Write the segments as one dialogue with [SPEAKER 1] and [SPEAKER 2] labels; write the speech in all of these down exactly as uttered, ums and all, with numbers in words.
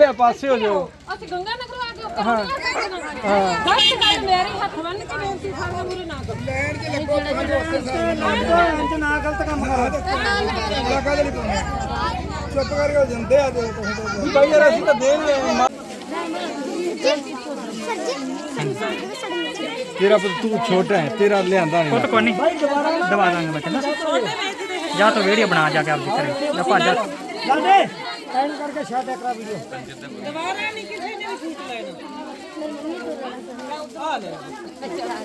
[SPEAKER 1] ਆ ਪਾਸੇ ਹੋ ਜਾਓ।
[SPEAKER 2] ਅਸੀਂ ਗੰਗਾ ਨਗਰ ਆ ਕੇ ਉੱਪਰ ਹਾਂ ਹਾਂ ਬਸ ਗੱਲ ਮੇਰੇ ਹੱਥ ਬੰਨ ਕੇ ਬੇਨਤੀ ਸਾਡਾ ਮੂਰੇ ਨਾ ਕਰੋ ਲੈਣ ਚ ਲੱਗੋ ਲੈਣ ਚ ਨਾ ਗਲਤ ਕੰਮ ਕਰੋ ਲੱਗਾ ਦੇ ਨਹੀਂ ਚੁੱਪ ਕਰਕੇ ਹੋ ਜਾਂਦੇ ਆ ਤੇ ਤੁਸੀਂ ਭਾਈ ਯਾਰ ਅਸੀਂ ਤਾਂ ਦੇ ਨਹੀਂ तेरा तू छोटा है तेरा ले आंदा नहीं
[SPEAKER 3] तो कोई नहीं दबा देंगे बच्चे ना जा तो वीडियो बना जाके आप दिख रहे या भज जा
[SPEAKER 1] जल्दी एंड करके शॉट करा वीडियो दोबारा नहीं किसी ने भी शूट लेना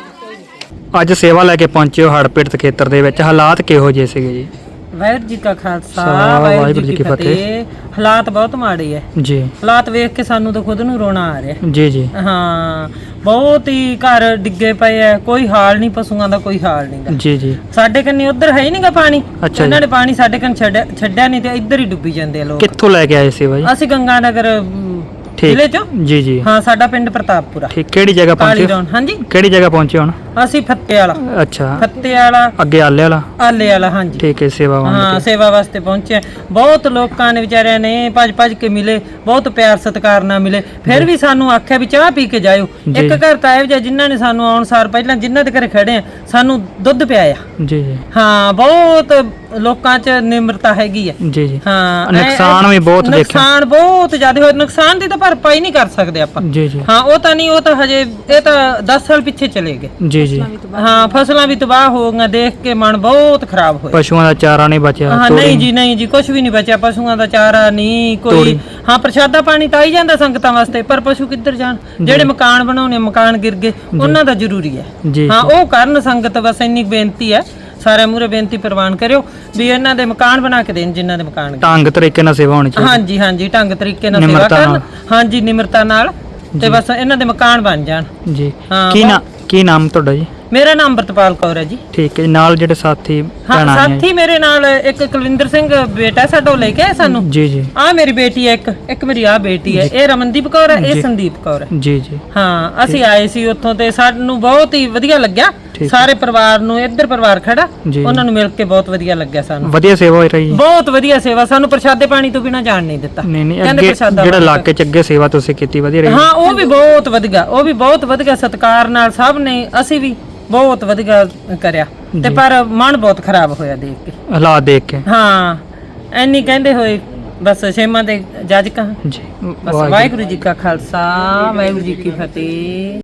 [SPEAKER 3] ਅੱਜ ਸੇਵਾ ਲੈ ਕੇ ਪਹੁੰਚੇ ਹੋ ਹੜ੍ਹ ਪੀੜਤ ਖੇਤਰ ਦੇ ਵਿੱਚ ਹਾਲਾਤ ਕਿਹੋ ਜਿਹੇ ਸੀਗੇ ਜੀ
[SPEAKER 4] ਵਾਹਿਗੁਰੂ ਜੀ ਕਾ ਖਾਲਸਾ ਵਾਹਿਗੁਰੂ ਜੀ ਕੀ ਫਤਿਹ। ਹਾਲਾਤ ਬਹੁਤ ਮਾੜੇ ਹੈ
[SPEAKER 3] ਜੀ
[SPEAKER 4] ਹਾਲਾਤ ਵੇਖ ਕੇ ਸਾਨੂੰ ਤਾਂ ਖੁਦ ਨੂੰ ਰੋਣਾ ਆ ਰਿਹਾ
[SPEAKER 3] ਜੀ ਜੀ
[SPEAKER 4] ਹਾਂ ਬਹੁਤ ਹੀ ਘਰ ਡਿੱਗੇ ਪਏ ਐ ਕੋਈ ਹਾਲ ਨਹੀਂ ਪਸ਼ੂਆਂ ਦਾ ਕੋਈ ਹਾਲ ਨਹੀਂਗਾ
[SPEAKER 3] ਜੀ ਜੀ
[SPEAKER 4] ਸਾਡੇ ਕੰਨੀ ਉਧਰ ਹੈ ਹੀ ਨਹੀਂਗਾ ਪਾਣੀ
[SPEAKER 3] ਅੱਛਾ
[SPEAKER 4] ਇਹਨਾਂ ਨੇ ਪਾਣੀ ਸਾਡੇ ਕੰਨ ਛੱਡਿਆ ਛੱਡਿਆ ਨਹੀਂ ਤੇ ਇੱਧਰ ਹੀ ਡੁੱਬੀ ਜਾਂਦੇ ਆ ਲੋਕ
[SPEAKER 3] ਕਿੱਥੋਂ ਲੈ ਕੇ ਆਏ ਸੀ ਬਾਈ
[SPEAKER 4] ਅਸੀਂ ਗੰਗਾ ਨਗਰ ਜ਼ਿਲ੍ਹੇ ਚੋਂ
[SPEAKER 3] ਜੀ ਜੀ
[SPEAKER 4] ਹਾਂ ਸਾਡਾ ਪਿੰਡ ਪ੍ਰਤਾਪਪੁਰਾ
[SPEAKER 3] ਠੀਕ ਕਿਹੜੀ ਜਗ੍ਹਾ ਪਹੁੰਚੇ
[SPEAKER 4] ਹਾਂਜੀ
[SPEAKER 3] ਕਿਹੜੀ ਜਗ੍ਹਾ ਪਹੁੰਚੇ ਹੁਣ
[SPEAKER 4] ਅਸੀਂ ਫੱਤੇ ਵਾਲਾ
[SPEAKER 3] ਅੱਛਾ
[SPEAKER 4] ਫੱਤੇ ਵਾਲਾ
[SPEAKER 3] ਅੱਗੇ ਆਲੇ ਵਾਲਾ
[SPEAKER 4] ਆਲੇ ਵਾਲਾ ਹਾਂਜੀ
[SPEAKER 3] ਠੀਕ ਹੈ ਸੇਵਾ
[SPEAKER 4] ਹਾਂ ਸੇਵਾ ਵਾਸਤੇ ਪਹੁੰਚੇ ਬਹੁਤ ਲੋਕਾਂ ਨੇ ਵਿਚਾਰਿਆਂ ਨੇ ਭੱਜ ਭੱਜ ਕੇ ਮਿਲੇ ਬਹੁਤ ਪਿਆਰ ਸਤਿਕਾਰ ਨਾਲ ਮਿਲੇ ਫਿਰ ਵੀ ਸਾਨੂੰ ਆਖਿਆ ਵੀ ਚਾਹ ਪੀ ਕੇ ਜਾਇਓ ਇੱਕ ਘਰ ਤਾਂ ਇਹੋ ਜਿਹਾ ਜਿਨ੍ਹਾਂ ਨੇ ਸਾਨੂੰ ਆਉਣ ਸਾਰ ਪਹਿਲਾਂ ਜਿਨ੍ਹਾਂ ਦੇ ਘਰੇ ਖੜੇ ਆ ਸਾਨੂੰ ਦੁੱਧ ਪਿਆਇਆ
[SPEAKER 3] ਜੀ ਜੀ
[SPEAKER 4] ਹਾਂ ਬਹੁਤ ਲੋਕਾਂ 'ਚ ਨਿਮਰਤਾ ਹੈਗੀ ਆ
[SPEAKER 3] ਜੀ ਜੀ
[SPEAKER 4] ਹਾਂ
[SPEAKER 3] ਨੁਕਸਾਨ ਵੀ ਬਹੁਤ ਦੇਖਿਆ
[SPEAKER 4] ਨੁਕਸਾਨ ਬਹੁਤ ਜ਼ਿਆਦਾ ਹੋਇਆ ਨੁਕਸਾਨ ਦੀ ਤਾਂ ਭਰਪਾਈ ਨਹੀਂ ਕਰ ਸਕਦੇ ਆਪਾਂ
[SPEAKER 3] ਜੀ ਜੀ
[SPEAKER 4] ਹਾਂ ਉਹ ਤਾਂ ਨਹੀਂ ਉਹ ਤਾਂ ਹਜੇ ਇਹ ਤਾਂ ਦਸ ਸਾਲ ਪਿੱਛੇ ਚਲੇ ਗਏ
[SPEAKER 3] ਜੀ ਜੀ
[SPEAKER 4] ਹਾਂ ਫਸਲਾਂ ਵੀ ਤਬਾਹ ਹੋ ਗਈਆਂ ਦੇਖ ਕੇ ਮਨ ਬਹੁਤ ਖਰਾਬ ਹੋਇਆ
[SPEAKER 3] ਪਸ਼ੂਆਂ ਦਾ ਚਾਰਾ ਨਹੀਂ ਬਚਿਆ
[SPEAKER 4] ਹਾਂ ਨਹੀਂ ਜੀ ਨਹੀਂ ਜੀ ਕੁਝ ਵੀ ਨਹੀਂ ਬਚਿਆ ਪਸ਼ੂਆਂ ਦਾ ਚਾਰਾ ਨਹੀਂ ਕੋਈ ਹਾਂ ਪ੍ਰਸ਼ਾਦਾ ਪਾਣੀ ਤਾਂ ਆਈ ਜਾਂਦਾ ਸੰਗਤਾਂ ਵਾਸਤੇ ਪਰ ਪਸ਼ੂ ਕਿੱਧਰ ਜਾਣ ਜਿਹੜੇ ਮਕਾਨ ਬਣਾਉਣੇ ਮਕਾਨ ਗਿਰ ਗਏ ਉਹਨਾਂ ਦਾ ਜ਼ਰੂਰੀ ਹੈ ਹਾਂ ਉਹ ਕਰਨ ਸੰਗਤ ਬਸ ਇੰਨੀ ਬੇਨਤੀ ਹੈ ਸਾਰਿਆਂ ਮੂਹਰੇ ਬੇਨਤੀ ਪ੍ਰਵਾਨ ਕਰਿਓ ਵੀ ਇਹਨਾਂ ਦੇ ਮਕਾਨ ਬਣਾ ਕੇ ਦੇਣ ਜਿਨ੍ਹਾਂ ਦੇ ਮਕਾਨ
[SPEAKER 3] ਢੰਗ ਤਰੀਕੇ ਨਾਲ ਸੇਵਾ ਹੋਣੀ ਚਾਹੀਦੀ
[SPEAKER 4] ਹਾਂਜੀ ਹਾਂਜੀ ਢੰਗ ਤਰੀਕੇ ਨਾਲ ਸੇਵਾ ਕਰਨ ਹਾਂਜੀ ਨਿਮਰਤਾ ਨਾਲ ਤੇ ਬਸ ਇਹਨਾਂ ਦੇ ਮਕਾਨ ਬਣ ਜਾਣ
[SPEAKER 3] ਜੀ ਕੀ ਨਾਮ ਕੀ ਨਾਮ ਤੁਹਾਡਾ ਜੀ
[SPEAKER 4] ਮੇਰਾ ਨਾਮ ਅੰਮ੍ਰਿਤਪਾਲ ਕੌਰ ਹੈ ਜੀ
[SPEAKER 3] ਠੀਕ ਹੈ ਨਾਲ ਜਿਹੜੇ ਸਾਥੀ
[SPEAKER 4] ਹਾਂ ਸਾਥੀ ਮੇਰੇ ਨਾਲ ਇੱਕ ਕੁਲਵਿੰਦਰ ਸਿੰਘ ਬੇਟਾ ਸਾਡਾ ਲੈ ਕੇ ਆਇਆ ਸਾਨੂੰ
[SPEAKER 3] ਜੀ ਜੀ
[SPEAKER 4] ਆ ਮੇਰੀ ਬੇਟੀ ਹੈ ਇੱਕ ਇੱਕ ਮੇਰੀ ਆ ਬੇਟੀ ਹੈ ਇਹ ਰਮਨਦੀਪ ਕੌਰ ਹੈ ਇਹ ਸੰਦੀਪ ਕੌਰ ਹੈ
[SPEAKER 3] ਜੀ ਜੀ
[SPEAKER 4] ਹਾਂ ਅਸੀਂ ਆਏ ਸੀ ਉੱਥੋਂ ਤੇ ਸਾਨੂੰ ਬਹੁਤ ਹੀ ਵਧੀਆ ਲੱਗਿਆ ਸਾਰੇ ਪਰਿਵਾਰ ਨੂੰ ਇੱਧਰ ਪਰਿਵਾਰ ਖੜਾ ਉਹਨਾਂ ਨੂੰ ਮਿਲ ਕੇ ਬਹੁਤ ਵਧੀਆ ਲੱਗਿਆ ਸਾਨੂੰ
[SPEAKER 3] ਵਧੀਆ ਸੇਵਾ ਹੋ ਰਹੀ ਹੈ ਬਹੁਤ
[SPEAKER 4] ਵਧੀਆ ਸੇਵਾ ਸਾਨੂੰ ਪ੍ਰਸ਼ਾਦੇ ਪਾਣੀ ਤੋਂ ਬਿਨਾ ਜਾਣ ਨਹੀਂ ਦਿੱਤਾ
[SPEAKER 3] ਨਹੀਂ ਨਹੀਂ ਅੱਗੇ ਜਿਹੜਾ ਇਲਾਕੇ ਚ ਅੱਗੇ ਸੇਵਾ ਤੁਸੀਂ ਕੀਤੀ ਵਧੀਆ ਰਹੀ
[SPEAKER 4] ਹਾਂ ਉਹ ਵੀ ਬਹੁਤ ਵਧੀਆ ਉਹ ਵੀ ਬਹੁਤ ਵਧੀਆ ਸਤਿਕਾਰ ਨਾਲ ਸਭ ਨੇ ਅਸੀਂ ਵੀ ਬਹੁਤ ਵਧੀਆ ਕਰਿਆ ਤੇ ਪਰ ਮਨ ਬਹੁਤ ਖਰਾਬ ਹੋਇਆ ਦੇਖ ਕੇ
[SPEAKER 3] ਹਾਲਾਤ ਦੇਖ ਕੇ
[SPEAKER 4] ਹਾਂ ਐਨੀ ਕਹਿੰਦੇ ਹੋਏ ਬਸ ਛੇਮਾਂ ਦੇ ਜੱਜ ਕਹਾਂ
[SPEAKER 3] ਜੀ
[SPEAKER 4] ਬਸ ਵਾਹਿਗੁਰੂ ਜੀ ਕਾ ਖਾਲਸਾ ਵਾਹਿਗੁਰੂ ਜੀ ਕੀ ਫਤਿਹ।